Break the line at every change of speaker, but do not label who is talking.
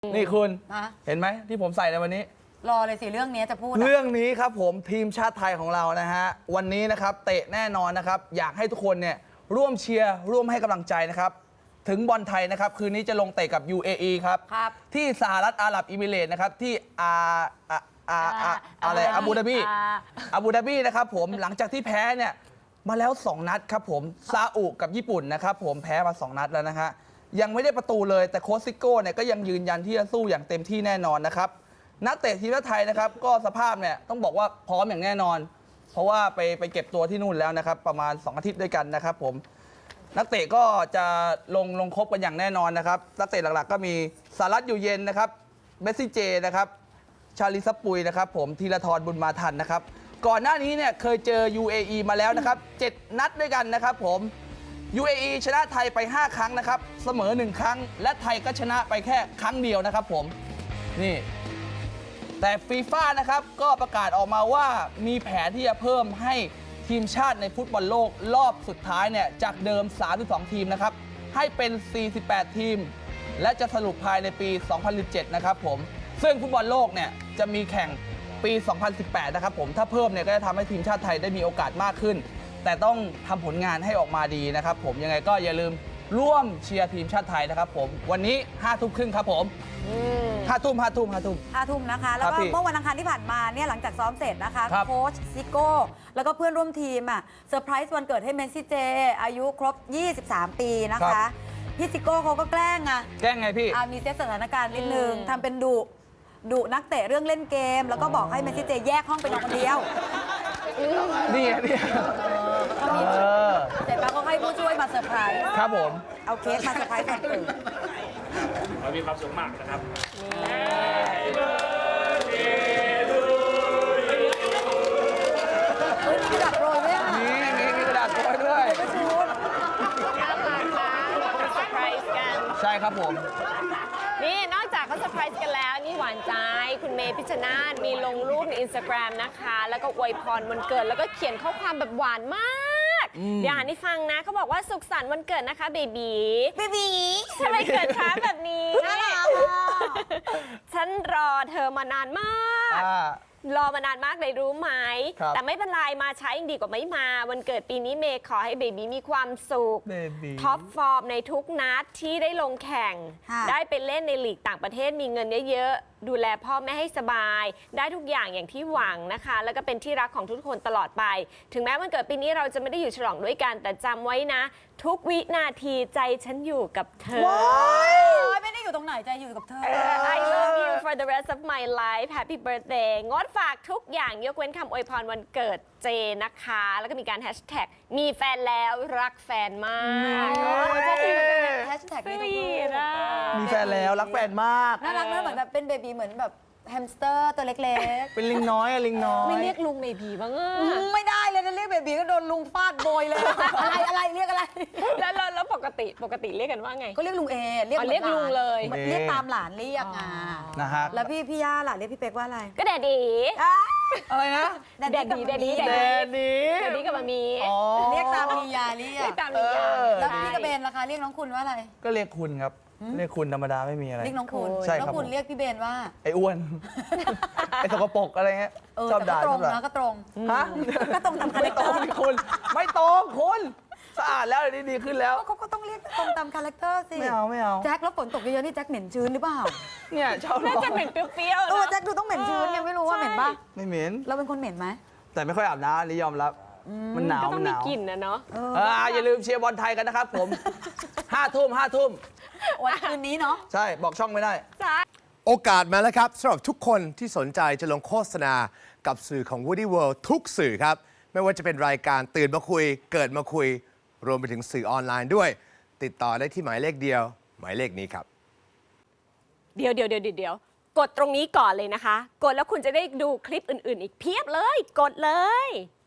นี่คุณ
ฮะ
เห็นไหมที่ผมใส่ในวันนี้
รอเลยสิเรื่องนี้จะพูดอะ
เรื่องนี้ครับผมทีมชาติไทยของเรานะฮะวันนี้นะครับเตะแน่นอนนะครับอยากให้ทุกคนเนี่ยร่วมเชียร์ร่วมให้กำลังใจนะครับถึงบอลไทยนะครับคืนนี้จะลงเตะกับ UAE ครับ
ครับ
ที่สหรัฐอาหรับอิมิเรตส์นะครับที่อะไรอาบูดาบีนะครับผมหลังจากที่แพ้เนี่ยมาแล้ว 2 นัดครับผมซาอุกับญี่ปุ่นนะครับผมแพ้มา 2 นัดแล้วนะฮะยังไม่ได้ประตูเลยแต่โค้ชซิโก้เนี่ยก็ยังยืนยันที่จะสู้อย่างเต็มที่แน่นอนนะครับนักเตะทีมชาติไทยนะครับก็สภาพเนี่ยต้องบอกว่าพร้อมอย่างแน่นอน เพราะว่าไปเก็บตัวที่นู่นแล้วนะครับประมาณ 2 อาทิตย์ด้วยกันนะครับผมนักเตะก็จะลงครบกันอย่างแน่นอนนะครับนักเตะหลักๆก็มีสารัตอยู่เย็นนะครับเมสซี่เจนะครับชาลิซับปุยนะครับผมธีรทรบุญมาทันนะครับก่อนหน้านี้เนี่ยเคยเจอ UAE มาแล้วนะครับ7 นัดด้วยกันนะครับผม UAE ชนะไทยไป 5 ครั้งนะครับเสมอ 1 ครั้ง และไทยก็ชนะไปแค่ครั้งเดียวนะครับผมนี่แต่ฟีฟ่านะครับก็ประกาศออกมาว่ามีแผนที่จะเพิ่มให้ทีมชาติในฟุตบอลโลกรอบสุดท้ายเนี่ยจากเดิม 32 ทีมนะครับให้เป็น 48 ทีม และจะสรุปภายในปี 2017 นะครับผมซึ่งฟุตบอลโลกเนี่ยจะมีแข่งปี 2018 นะครับผมถ้าเพิ่มเนี่ยก็จะทำให้ทีมชาติไทยได้มีโอกาสมากขึ้น แต่ต้องทำผลงานให้ออกมาดีนะครับผมยังไงก็อย่าลืมร่วมเชียร์ทีมชาติไทยนะครับผมวันนี้ 5 ทุ่มครึ่งครับผม5 ทุ่ม
นะคะ แล้วก็
พี่
เมื่อวันอังคารที่ผ่านมาเนี่ยหลังจากซ้อมเสร็จนะคะ
ครับ
โค้ชซิโก้แล้วก็เพื่อนร่วมทีมอะเซอร์ไพรส์วันเกิดให้เมสซี่เจอายุครบ 23 ปีนะคะ พี่ซิโก้เขาก็แกล้งอะ
แกล้งไงพี่
มีเซตสถานการณ์นิดนึงทำเป็นดุนักเตะเรื่องเล่นเกม แล้วก็บอกให้เมสซี่เจแยกห้องไปนอนคนเดียว
นี่ไงนี่
ก็มีเสร็จแล้วก็ให้ผู้ช่วยมาเซอร์ไพรส์
ครับผม
เอาเค้กมาเซอร์ไพรส์วันเกิด
เรามีความสุขมากนะครับ
เฮ้ยมีกระดาษโปรยด้วยอะ
มีกระดาษโปรยด้วย
ไม่ชูด
เซอร์ไพรส์กัน
ใช่ครับผม
นี่นอกจากเขาเซอร์ไพรส์กันแล้ว นี่หวานใจ คุณเมย์พิชชนาธิ์มีลงรูปในอินสตาแกรมนะคะ แล้วก็อวยพรวันเกิด แล้วก็เขียนข้อความแบบหวานมาก เดี๋ยวอ่านให้ฟังนะ เขาบอกว่าสุขสันต์วันเกิดนะคะเบบี ทำไมเกิดช้าแบบนี้
น่ารักอะ
ฉันรอเธอมานานมาก รอมานานมากเลยรู้ไหม
ครับ
แต่ไม่เป็นไรมาช้ายังดีกว่าไม่มา วันเกิดปีนี้เมย์ขอให้เบบีมีความสุข
เบบี
ท็อปฟอร์มในทุกนัดที่ได้ลงแข่ง
ค่ะ
ได้ไปเล่นในลีกต่างประเทศมีเงินเยอะๆ ดูแลพ่อแม่ให้สบาย ได้ทุกอย่างอย่างที่หวังนะคะ แล้วก็เป็นที่รักของทุกคนตลอดไป ถึงแม้วันเกิดปีนี้เราจะไม่ได้อยู่ฉลองด้วยกัน แต่จำไว้นะ ทุกวินาทีใจฉันอยู่กับเธอ
ว้ายไม่ได้อยู่ตรงไหนใจอยู่กับเธอ
I love you for the rest of my life Happy birthday งดฝากทุกอย่างยกเว้นคำอวยพรวันเกิดเจนะคะ แล้วก็มีการแฮชแท็กมีแฟนแล้วรักแฟนมาก
แฮชแท็ก
ส
นี้
วี
ทุกรูป
ทอ่ะ
มีแฟนแล้วรักแฟนมาก
น่ารักนะเหมือนแบบเป็นเบบีเหมือนแบบแฮมสเตอร์ตัวเล็ก
เป็นลิงน้อยอะลิงน้อย
ไม่เรียกลุงเบบีบ้างอ่ะ
ๆ ไม่ได้เลยนะเรียกเบบีก็โดนลุงฟาดโบยเลย อะไรเรียกอะไร
แล้วปกติเรียกกันว่าไง
ก็เรียกลุงเอเรียก
อ๋อเรียกลุงเลย
หมือนเรียกตามหลานเรียกอ่ะ
นะฮะ
แล้วพี่ย่าล่ะเรียกพี่เป๊กว่าอะไร
ก็แดดดี
อะไรนะ
แดดดี้
แดดดี้
แดดดี
แดดดีกับมามี
อ๋อ
เรียกตามมียาเรีย
เรีย
ก
กตามนิยาม
แล้วพี่กระเบนล่ะคะเรียกน้องคุณว่าอะไร
ก็เรียกคุณครับ เรียกคุณธรรมดาไม่มีอะไร
เรียกน้องคุณ
ใช่
แล้ว
ครับ
คุณ
ผม
เรียกพี่เบนว่า
ไอ้อ้วน ไอ้สกปรกอะไรเงี้ยชอบ
แต่
ด่า
ก็ต
ช
ร
อง บด่า
นะก็ตรง
ฮะ
ก็ตรงตามคาแร
ไม่
ค
ต
เต
ร
อง ร์
นี่คุณ ไม่ตรงคุณสะอาดแล้วเดี๋ยวนี้ดีขึ้นแล้ว
เขาก็ต้องเรียกตรงตามคาแรคเตอร์สิ
ไม่เอา
แจ็คแล้วฝนตกเยอะๆนี่แจ็คเหม็นชื้นหรือเปล่า
เนี่ยชอบ
น่าจะเหม็นเปรี้ยวๆนะ
แจ็คดูต้องเหม็นชื้นไงไม่รู้ว่าเหม็นป่ะ
ไม่เหม็น
เราเป็นคนเหม็นไหม
แต่ไม่ค่อยอาบน้ำอันนี้ยอมรับ มันหนาว
ก็ต้อ
มั
ง
นห
มี
นาว
กลิ่นนะเนาะ
อย่าลืมเชียร์บอลไทยกันนะครับผม 5 ทุ่ม
วันคืนนี้เนาะ
ใช่บอกช่องไม่ได้
โอกาสมาแล้วครับสำหรับทุกคนที่สนใจจะลงโฆษณากับสื่อของ Woody World ทุกสื่อครับ ไม่ว่าจะเป็นรายการตื่นมาคุย เกิดมาคุย รวมไปถึงสื่อออนไลน์ด้วย ติดต่อได้ที่หมายเลขเดียว หมายเลขนี้ครับ
เดี๋ยวกดตรงนี้ก่อนเลยนะคะ กดแล้วคุณจะได้ดูคลิปอื่นๆ อีกเพียบเลย กดเลย